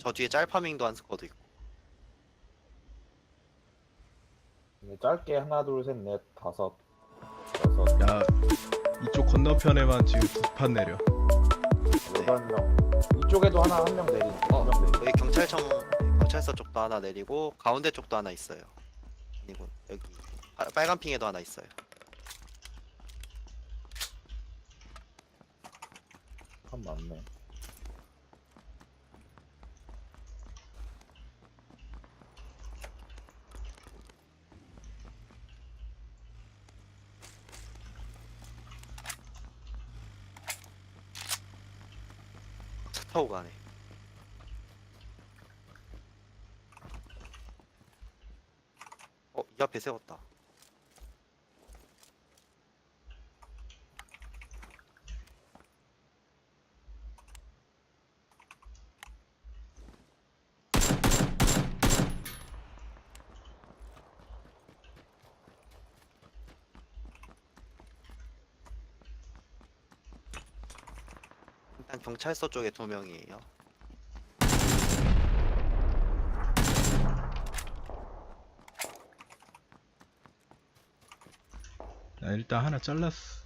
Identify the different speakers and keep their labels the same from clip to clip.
Speaker 1: 저 뒤에 짤파밍도 한 스쿼드 있고.
Speaker 2: 이게 짧게 하나 둘 셋 넷 다섯 여섯
Speaker 3: 야, 이쪽 건너편에만 지금 두 판 내려.
Speaker 2: 여덟 명 이쪽에도 하나 한 명 내린 두명 내린
Speaker 1: 여기 경찰서 쪽도 하나 내리고 가운데 쪽도 하나 있어요. 그리고 여기 빨간 핑에도 하나 있어요.
Speaker 2: 한 많네.
Speaker 1: 차 타고 가네. 이 앞에 세웠다. 일단 경찰서 쪽에 2명이에요.
Speaker 3: 나 일단 하나 잘랐어.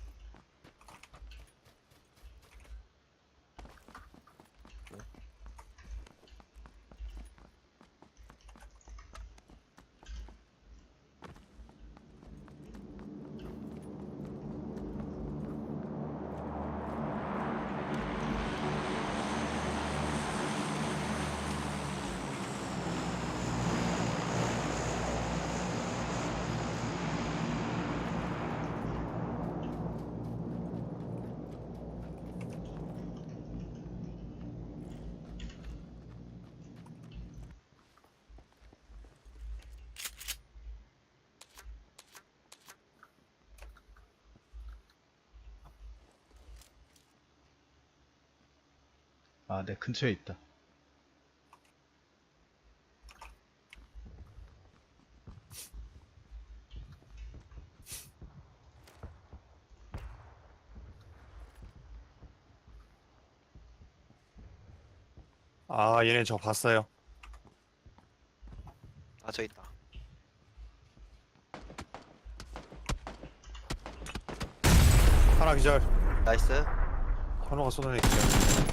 Speaker 3: 아, 내 근처에 있다.
Speaker 4: 아, 얘네 저 봤어요.
Speaker 1: 아, 저 있다.
Speaker 4: 하나 기절.
Speaker 1: 나이스.
Speaker 4: 현호가 쏟아내 기절.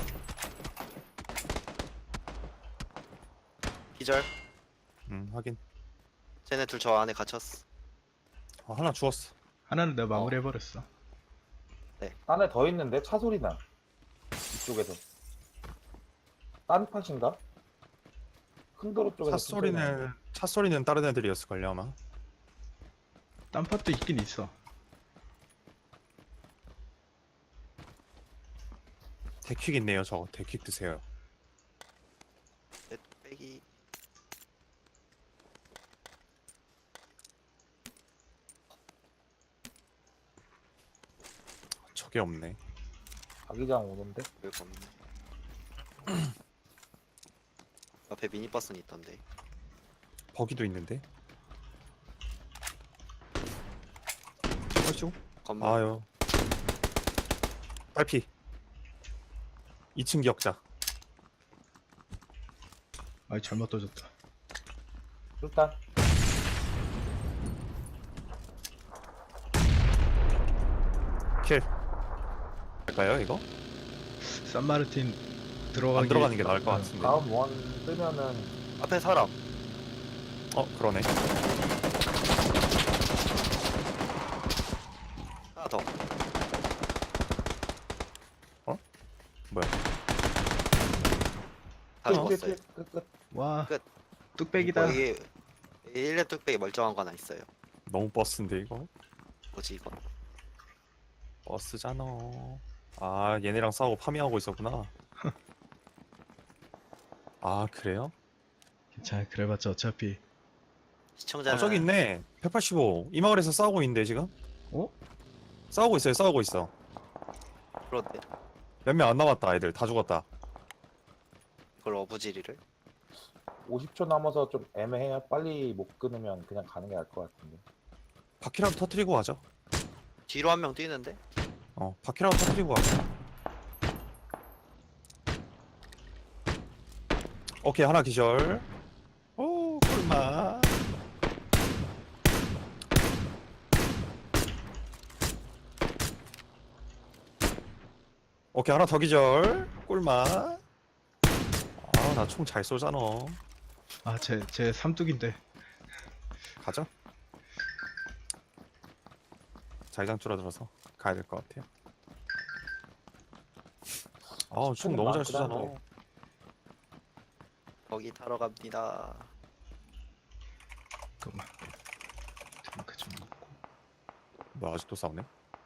Speaker 1: 기절.
Speaker 4: 확인.
Speaker 1: 쟤네 둘 저 안에 갇혔어.
Speaker 4: 하나 죽었어.
Speaker 3: 하나는 내가 마무리해버렸어.
Speaker 2: 안에 더 있는데 차 소리 나. 이쪽에서. 딴 팟인가? 큰 도로 쪽에서
Speaker 4: 차 소리는 다른 애들이었을걸요 아마.
Speaker 3: 딴 팟도 있긴 있어.
Speaker 4: 데킥 있네요 저거. 데킥 드세요.
Speaker 1: 내 빼기.
Speaker 4: 저게 없네.
Speaker 2: 자기장 오는데?
Speaker 1: 별거 없네. 앞에 미니버스는 있던데.
Speaker 4: 버기도 있는데. 어쭈?
Speaker 1: 건물.
Speaker 4: 아유. 딸피. 2층 기억자.
Speaker 3: 아이, 잘못 떠졌다.
Speaker 2: 일단
Speaker 4: 킬. 할까요 이거?
Speaker 3: 산마르틴
Speaker 4: 안
Speaker 3: 들어가기.
Speaker 4: 들어가는 게 나을 것 같은데.
Speaker 2: 다음 원 뜨면은
Speaker 1: 앞에 사람.
Speaker 4: 그러네.
Speaker 1: 하나 더.
Speaker 4: 뭐야?
Speaker 1: 다 죽었어요.
Speaker 2: 끝.
Speaker 3: 와,
Speaker 1: 끝.
Speaker 3: 뚝배기다.
Speaker 1: 거기 1렙 뚝배기 멀쩡한 거 하나 있어요.
Speaker 4: 너무 버스인데 이거?
Speaker 1: 뭐지 이건?
Speaker 4: 버스잖아. 아, 얘네랑 싸우고 파밍하고 있었구나. 아, 그래요?
Speaker 3: 괜찮아, 그래봤자 어차피.
Speaker 1: 시청자는
Speaker 4: 저기 있네. 185. 이 마을에서 싸우고 있는데 지금?
Speaker 3: 어?
Speaker 4: 싸우고 있어.
Speaker 1: 그런데
Speaker 4: 몇 명 안 남았다. 애들 다 죽었다.
Speaker 1: 그걸 어부지리를
Speaker 2: 50초 남아서 좀 애매해요. 빨리 못 끊으면 그냥 가는 게 나을 것 같은데.
Speaker 4: 바퀴라도 터트리고 가죠.
Speaker 1: 뒤로 한 명 뛰는데?
Speaker 4: 바퀴라도 터트리고 가죠. 오케이 하나 기절. 오 꿀맛. 오케이 하나 더 기절. 꿀맛. 아 나 총 잘 쏘잖아.
Speaker 3: 아, 제 삼뚝인데.
Speaker 4: 가자. 자기장 줄어들어서 가야 될 것 같아요. 아우 총 너무 잘 쏘잖아.
Speaker 1: 거기 타러 갑니다.
Speaker 3: 잠깐만. 탱크 좀 먹고.
Speaker 4: 너 아직도 싸우네?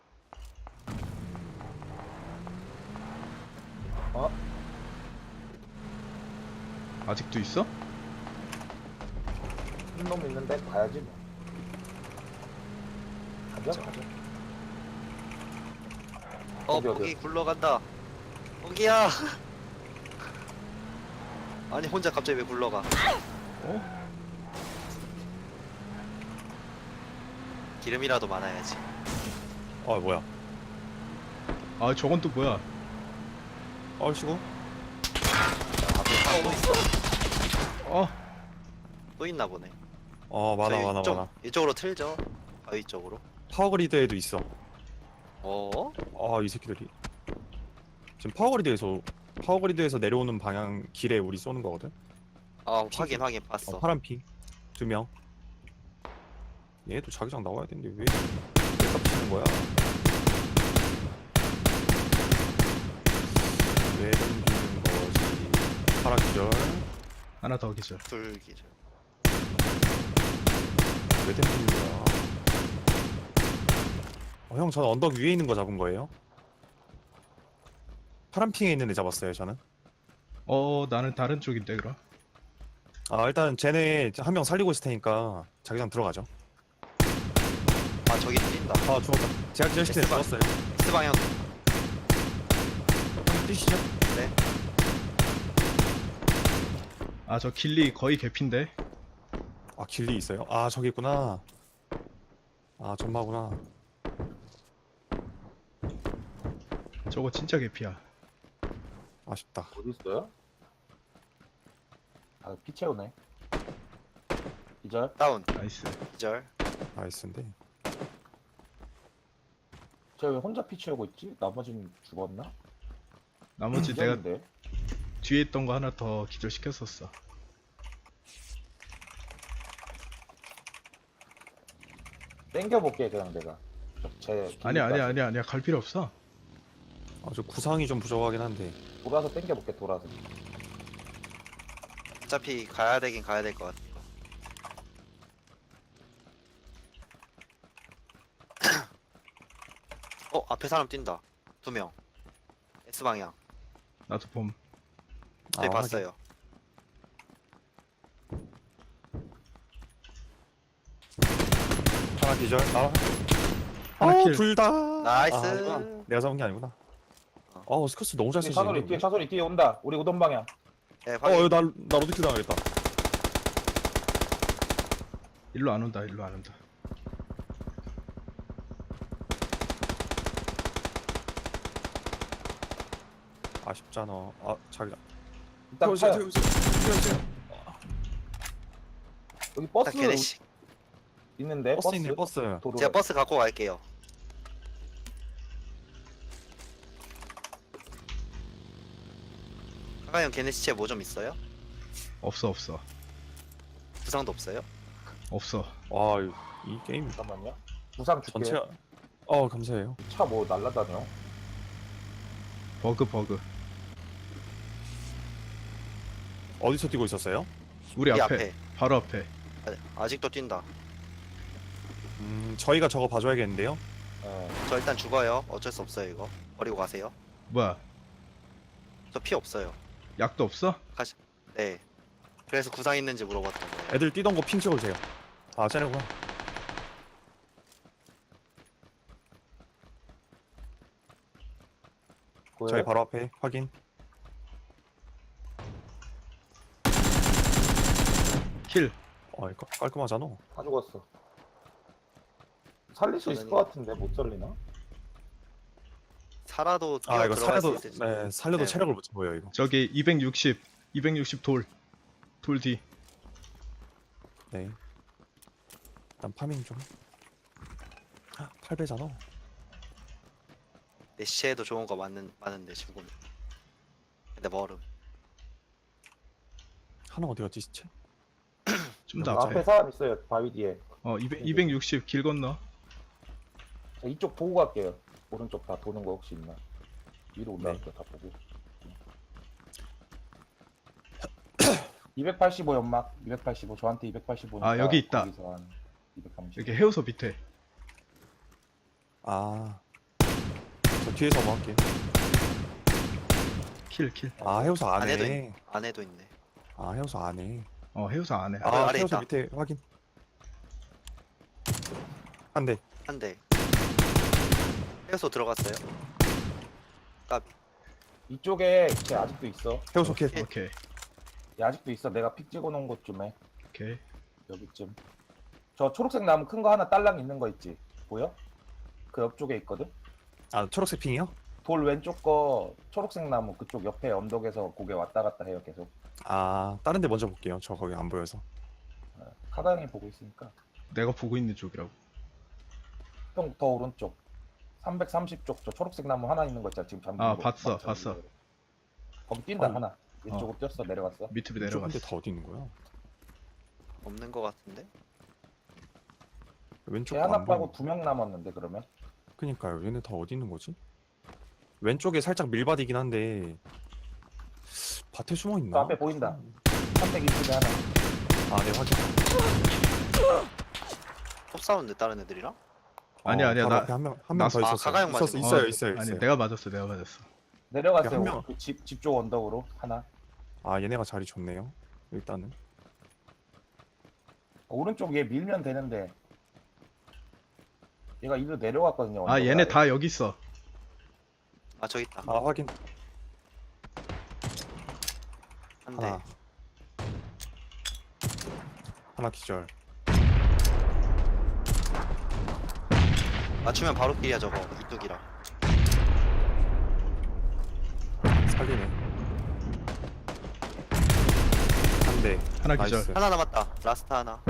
Speaker 3: 아직도 있어?
Speaker 2: 한 놈 있는데 가야지 뭐. 가자. 어디, 어디?
Speaker 1: 거기 굴러간다. 거기야. 아니 혼자 갑자기 왜 굴러가?
Speaker 3: 어?
Speaker 1: 기름이라도 많아야지.
Speaker 4: 아 뭐야?
Speaker 3: 아, 저건 또 뭐야?
Speaker 4: 얼씨구?
Speaker 1: 앞에 타고 있어.
Speaker 3: 어?
Speaker 1: 또 있나 보네.
Speaker 4: 많아
Speaker 1: 저희
Speaker 4: 많아
Speaker 1: 이쪽,
Speaker 4: 많아.
Speaker 1: 이쪽으로 틀죠. 바위 쪽으로.
Speaker 4: 파워그리드에도 있어.
Speaker 1: 어?
Speaker 4: 아 이 새끼들이 지금 파워그리드에서 내려오는 방향 길에 우리 쏘는 거거든.
Speaker 1: 아 확인 봤어.
Speaker 4: 파란 핑 2명. 얘도 자기장 나와야 되는데 왜 깝치는 거야? 왜 던지는 거지? 파란 기절.
Speaker 3: 하나 더 기절.
Speaker 1: 둘기죠.
Speaker 4: 왜 던지는 거야? 형 저는 언덕 위에 있는 거 잡은 거예요? 파란 핑에 있는 애 잡았어요 저는.
Speaker 3: 나는 다른 쪽인데 그럼.
Speaker 4: 아 일단 쟤네 한 명 살리고 있을 테니까 자기장 들어가죠.
Speaker 1: 아 저기 뛴다.
Speaker 4: 아 죽었다. 제가 기절시킨 애 죽었어요.
Speaker 1: S 방향.
Speaker 4: 형 뛰시죠.
Speaker 1: 네.
Speaker 3: 아, 저 길리 거의 개핀데.
Speaker 4: 아 길리 있어요? 아 저기 있구나. 아 전마구나.
Speaker 3: 저거 진짜 개피야.
Speaker 4: 아쉽다.
Speaker 2: 어디 있어요? 아, 피 채우네. 기절?
Speaker 1: 다운.
Speaker 3: 나이스.
Speaker 1: 기절.
Speaker 4: 나이스인데.
Speaker 2: 쟤 왜 혼자 피 채우고 있지? 나머지는 죽었나?
Speaker 3: 나머지 내가
Speaker 2: 기절인데?
Speaker 3: 뒤에 있던 거 하나 더 기절시켰었어.
Speaker 2: 땡겨볼게 그냥 내가. 쟤
Speaker 3: 아니야. 갈 필요 없어.
Speaker 4: 아저 구상이 좀 부족하긴 한데.
Speaker 2: 돌아서 땡겨볼게 돌아서.
Speaker 1: 어차피 가야 되긴 가야 될 것 같아. 앞에 사람 뛴다. 2명. S 방향.
Speaker 3: 나도 봄.
Speaker 1: 저희
Speaker 4: 아,
Speaker 1: 봤어요.
Speaker 4: 하나 기절.
Speaker 3: 하나 킬.
Speaker 4: 둘 다.
Speaker 1: 나이스.
Speaker 4: 아니구나. 내가 잡은 게 아니구나. 스커스 너무 잘
Speaker 2: 뒤에
Speaker 4: 쓰시네.
Speaker 2: 차소리 뒤에 차소리 뒤에 온다. 우리 우동 방향.
Speaker 1: 네, 확인.
Speaker 4: 나 로드킬 당하겠다.
Speaker 3: 일로 안 온다.
Speaker 4: 아쉽잖아. 아 자기장.
Speaker 2: 일단 타요. 여기 버스
Speaker 1: 일단 걔네씩.
Speaker 2: 있는데
Speaker 4: 버스 있네 버스.
Speaker 2: 도로.
Speaker 1: 제가 버스 갖고 갈게요. 카가형 걔네 시체 뭐 좀 있어요?
Speaker 3: 없어.
Speaker 1: 부상도 없어요?
Speaker 3: 없어.
Speaker 4: 이 게임
Speaker 2: 잠깐만요. 부상 줄게.
Speaker 4: 전체. 감사해요.
Speaker 2: 차 뭐 날라다녀?
Speaker 3: 버그.
Speaker 4: 어디서 뛰고 있었어요?
Speaker 3: 우리
Speaker 1: 이
Speaker 3: 앞에.
Speaker 1: 앞에.
Speaker 3: 바로 앞에.
Speaker 1: 아직도 뛴다.
Speaker 4: 저희가 저거 봐줘야겠는데요.
Speaker 1: 저 일단 죽어요. 어쩔 수 없어요 이거. 버리고 가세요.
Speaker 3: 뭐야?
Speaker 1: 저 피 없어요.
Speaker 3: 약도 없어?
Speaker 1: 네. 그래서 구상 있는지 물어봤던 거예요.
Speaker 4: 애들 뛰던 거 핑 찍어주세요. 쟤네구나. 저희 바로 앞에 확인.
Speaker 3: 킬.
Speaker 4: 이거 깔끔하잖아.
Speaker 2: 다 죽었어. 살릴 수 있을
Speaker 1: 저는
Speaker 2: 것 같은데 못 살리나?
Speaker 1: 살아도
Speaker 4: 이거
Speaker 1: 들어갈 수
Speaker 4: 살려도
Speaker 1: 있을지.
Speaker 4: 살려도
Speaker 1: 네.
Speaker 4: 체력을 못 보여 이거.
Speaker 3: 저기 260 돌. 돌 뒤.
Speaker 4: 네. 일단 파밍 좀. 8배잖아.
Speaker 1: 내시에도 좋은 거 많은데 지금. 근데 멀음.
Speaker 4: 하나 어디 갔지 시체?
Speaker 3: 좀 더
Speaker 2: 앞에
Speaker 3: 앞에.
Speaker 2: 사람 있어요. 바위 뒤에.
Speaker 3: 260 길 건너.
Speaker 2: 자, 이쪽 보고 갈게요. 오른쪽 다 도는 거 혹시 있나? 위로 올라갈게요. 다 보고. 285 연막. 285 저한테 285.
Speaker 3: 아, 여기 있다.
Speaker 2: 거기서 한 230.
Speaker 3: 여기 해우소 밑에.
Speaker 4: 아. 저 뒤에서 뭐 할게.
Speaker 3: 킬.
Speaker 4: 아, 해우소
Speaker 1: 안에도
Speaker 4: 안에.
Speaker 1: 안에도 있네.
Speaker 4: 아, 해우소 안에.
Speaker 3: 해우소 안에.
Speaker 1: 아, 아래
Speaker 4: 해우소
Speaker 1: 있다.
Speaker 4: 밑에 확인. 한 대.
Speaker 1: 한 대. 해서 들어갔어요. 까비.
Speaker 2: 이쪽에 걔 아직도 있어.
Speaker 4: 해우소 킬.
Speaker 3: 오케이.
Speaker 2: 얘 아직도 있어. 내가 픽 찍어놓은 곳쯤에
Speaker 3: 오케이.
Speaker 2: 여기쯤. 저 초록색 나무 큰 거 하나 딸랑 있는 거 있지? 보여? 그 옆쪽에 있거든.
Speaker 4: 아, 초록색 핑이요?
Speaker 2: 돌 왼쪽 거 초록색 나무 그쪽 옆에 언덕에서 고개 왔다 갔다 해요 계속.
Speaker 4: 아, 다른 데 먼저 볼게요. 저 거기 안 보여서.
Speaker 2: 카다 형이 보고 있으니까.
Speaker 3: 내가 보고 있는 쪽이라고.
Speaker 2: 형 더 오른쪽 330쪽 저 초록색 나무 하나 있는 거 있잖아 지금 잠긴
Speaker 3: 아,
Speaker 2: 거.
Speaker 3: 봤어,
Speaker 2: 막 잠긴
Speaker 3: 봤어.
Speaker 2: 거. 거기 뛴다
Speaker 4: 아니.
Speaker 2: 하나 왼쪽으로 뛰었어 내려갔어.
Speaker 3: 밑으로
Speaker 4: 근데
Speaker 3: 내려갔어.
Speaker 4: 다 어디 있는 거야?
Speaker 1: 없는 거 같은데.
Speaker 4: 왼쪽
Speaker 2: 걔 하나
Speaker 4: 안
Speaker 2: 빠고
Speaker 4: 보여.
Speaker 2: 2명 남았는데 그러면.
Speaker 4: 그니까요. 얘네 다 어디 있는 거지? 왼쪽에 살짝 밀밭이긴 한데 밭에 숨어 있나?
Speaker 2: 저 앞에 보인다. 320에 하나.
Speaker 4: 아, 네 확인.
Speaker 1: 톱 사운드 다른 애들이랑?
Speaker 3: 아니야,
Speaker 4: 바로
Speaker 3: 나-
Speaker 4: 앞에 한 명 더 있었어.
Speaker 1: 가가형
Speaker 4: 있었어.
Speaker 1: 맞은
Speaker 4: 있어요,
Speaker 3: 어,
Speaker 4: 있어요,
Speaker 3: 아니,
Speaker 4: 있어요.
Speaker 3: 내가 맞았어.
Speaker 2: 내려갔어요.
Speaker 4: 한 명.
Speaker 2: 그 집 쪽 언덕으로 하나.
Speaker 4: 아, 얘네가 자리 좋네요. 일단은.
Speaker 2: 오른쪽 얘 밀면 되는데. 얘가 이리로 내려갔거든요.
Speaker 3: 아,
Speaker 2: 언덕
Speaker 3: 얘네
Speaker 2: 아래.
Speaker 3: 다 여기 있어.
Speaker 1: 아 저기 있다.
Speaker 4: 아, 확인.
Speaker 1: 한 대.
Speaker 4: 하나. 하나 기절.
Speaker 1: 맞추면 바로 끼야 저거 이뚝이랑.
Speaker 4: 살리네. 한 대.
Speaker 3: 하나
Speaker 4: 나이스.
Speaker 3: 기절.
Speaker 1: 하나 남았다. 라스트 하나.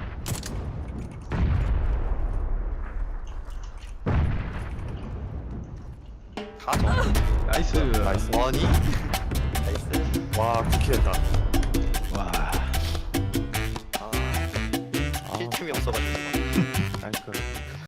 Speaker 1: 가져.
Speaker 3: 나이스.
Speaker 4: 나이스.
Speaker 1: 머니. 나이스.
Speaker 4: 와, 쿠키했다.
Speaker 3: 와.
Speaker 1: 아,
Speaker 4: 아,
Speaker 1: 힐틈이 없어가지고.
Speaker 4: 나이스.